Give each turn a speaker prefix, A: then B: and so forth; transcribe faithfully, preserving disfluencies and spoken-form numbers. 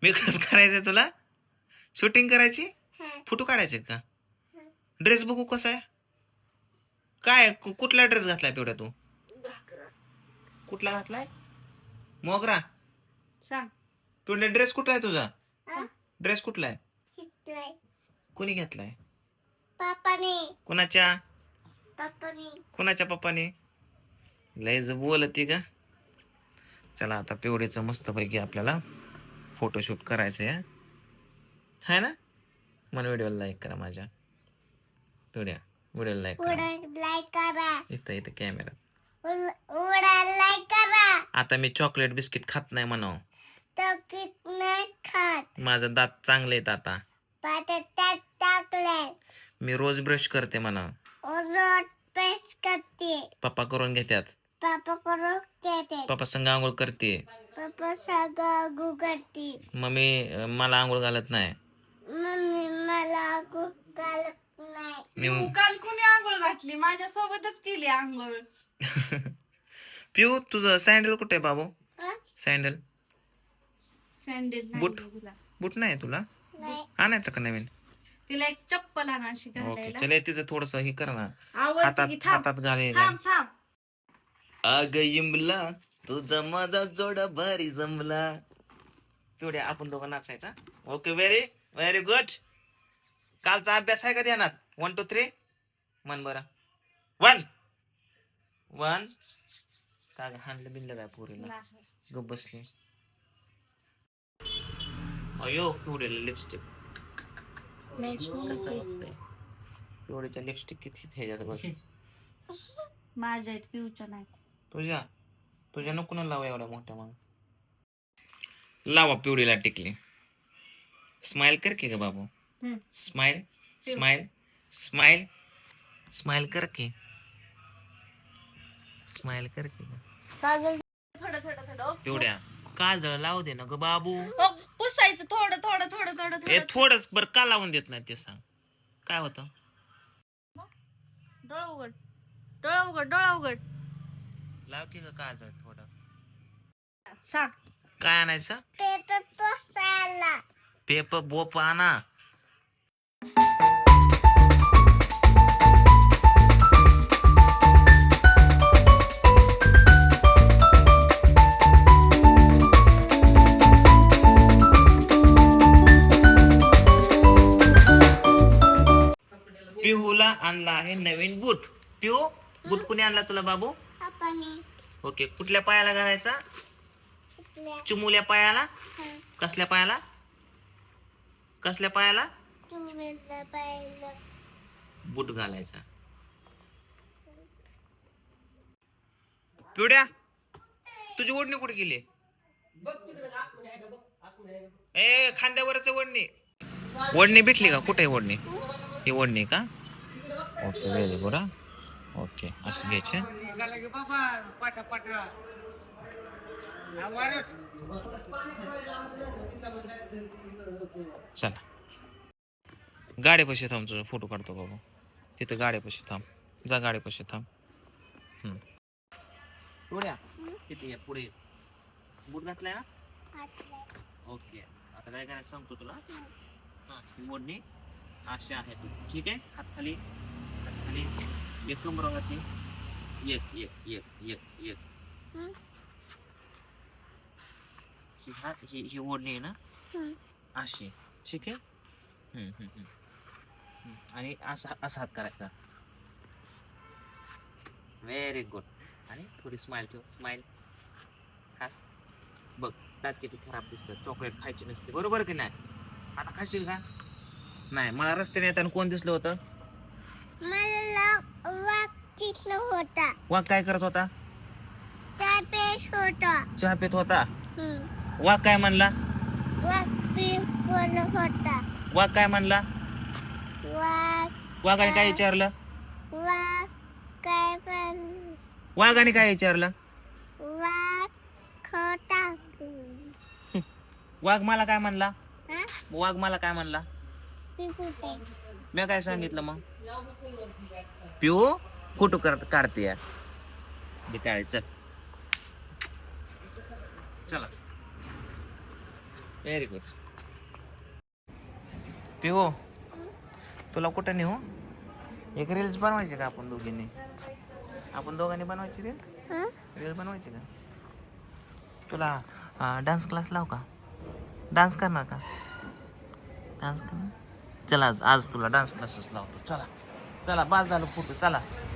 A: Makeup करायचंय तुला? Shooting करायची? फोटो काढायचे का? ड्रेस बघू कसा आहे? काय कुठला ड्रेस घातलाय पिवड्या तू? कुठला घातलाय? मोगरा.
B: सांग
A: पिवड्या ड्रेस कुठला आहे तुझा? ड्रेस कुठला आहे? कोणी घेतलाय?
C: पप्पाने.
A: कोणाच्या?
C: पप्पाने.
A: कोणाच्या पप्पाने? लयच बोलती का? चला आता पिवडीचं मस्त पैकी आपल्याला फोटोशूट करायचंय है ना? मन व्हिडिओला लाईक करा माझ्या पिवड्या व्हिडिओला लाईक करा.
C: लाईक करा.
A: इथं इथं कॅमेरा.
C: लाईक करा.
A: आता मी चॉकलेट बिस्किट खात नाही म्हणाव.
C: तो कित नाही खात.
A: माझं दात चांगले आहेत आता.
C: त्यात टाकले.
A: मी रोज ब्रश करते म्हणा.
C: रोज पेस्ट करते.
A: पप्पा करून घेतात.
C: पापा करून देते.
A: पप्पा संग आंघोळ करते.
C: पप्पा सगळं गुगलते.
A: मम्मी मला आंघोळ घालत नाही.
C: मम्मी मला घालत नाही.
A: मी
B: काल कुणी आंघोळ घातली माझ्या सोबतच केली आंघोळ.
A: पिऊ तुझं सँडल कुठे आहे बाबू? सँडल
B: सँडल
A: बूट?
B: नाही तुला.
A: बूट नाही तुला?
C: नाही.
A: आणायचं का नवीन?
B: तिला एक चप्पल आणा अशी
A: ओके
B: घालायला.
A: चले तिचं थोडस हे कर ना.
B: आवडते
A: हातात
B: की थांब
A: हातात घालेल.
B: थांब थांब.
A: अग इमला तुझा माझा जोडा भारी जमला. पिवड्या आपण दोघं नाचायचा. Okay very very good. कालचा अभ्यास आहे का ध्यानात? वन टू थ्री मन बरं. वन वन का हाणलं बिनलं काय पोरीला?
B: नाही.
A: गप बसली. अयो पिवड्याला लिपस्टिक कसं वाटतंय? पिवड्याच्या लिपस्टिक किती ह्याच्यात बघ.
B: माझ्या आहेत पिऊच्या नाही.
A: तुझ्या तुझ्या नको ना लावा एवढ्या मोठ्या मग. लावा पिवडीला टिकली. स्माइल कर की ग बाबू.
B: हम्म.
A: स्माइल स्माइल स्माइल स्माइल कर की. स्माइल कर की ग.
B: काजल थोडं थोडं थोडं.
A: पिवड्या काजळ लावू दे ना ग बाबू.
B: हो, पुसायचं थोडं थोडं थोडं थोडं
A: ए
B: थोडं.
A: थोडंच बरं का लावून देत नाही ते सांग. काय होतं?
B: डोळा उघड डोळा उघड डोळा उघड.
A: लाव की ग काजळ थोडं.
B: सांग.
A: काय आणायचं?
C: पेपर पोसायला.
A: पेपर बोप आणा. पिहूला आणला आहे नवीन बूट. पिहू बूट कुणी आणला तुला बाबू?
C: पप्पाने.
A: ओके कुठल्या पायाला घालायचा?
C: आपल्या.
A: चिमुल्या पायाला?
C: हं.
A: कसल्या पायाला? कसल्या पायाला?
C: तुम्हाला पाहिलं.
A: बूट घालायचा. पिवड्या तुझी ओढणी कुठे गेली? ए खांद्यावरच ओढणी. ओढणी भेटली का? कुठे ओढणी? ही ओढणी का? Okay very good. ओके असं घ्यायचे. चला गाड्यापाशी थांब. तुझा फोटो काढतो बाबा. तिथं गाड्यापाशी थांब. जा गाड्यापाशी थांब. हम्म पिवड्या तिथे ये पुढे. बूट घातलाय ना? ओके आता काय करायचं सांगतो तुला. हा ही ओढणी अशी आहे. ठीक आहे. हात खाली हात खाली. एक कमरावरती. एक एक एक एक एक.
C: हं.
A: ही हा ही ही ओढणी आहे ना
C: हं.
A: अशी. ठीक आहे. हम्म, हम्म, हम्म. हम्म. आणि असा असा हात करायचा. Very good. आणि थोडी स्माइल ठेव. स्माइल खास बघ. दात किती खराब दिसतात. चॉकलेट खायची नसते बरोबर की नाही? आता खाशील का? नाही. मला रस्त्याने येताना कोण दिसलं होतं?
C: मला वाघ दिसला होता.
A: वाघ काय करत होता?
C: त्या पेश होता.
A: चहा पित होता.
C: हं.
A: वाघ काय म्हणला?
C: वाघ पी बोलत होता.
A: वाघ काय म्हणला?
C: वाघ.
A: वाघाने काय विचारलं?
C: वाघ काय पण.
A: वाघाने काय विचारलं?
C: वाघ खोटा.
A: वाघ मला काय म्हणला?
C: हा?
A: वाघ मला काय म्हणला?
C: ती कुठे?
A: मी काय सांगितलं मग? पिऊ फोटो करत काढते यार. चल चला व्हेरी गुड. पिहो तुला कुठं नेऊ? एक रील्स बनवायची का आपण दोघींनी? आपण दोघांनी बनवायची रील?
C: हं?
A: रील बनवायची का? तुला डान्स क्लास लाव का? डान्स करणार का? डान्स करणार? चला आज आज तुला डान्स क्लासेस लावतो. चला चला, बास झालं फोटो. चला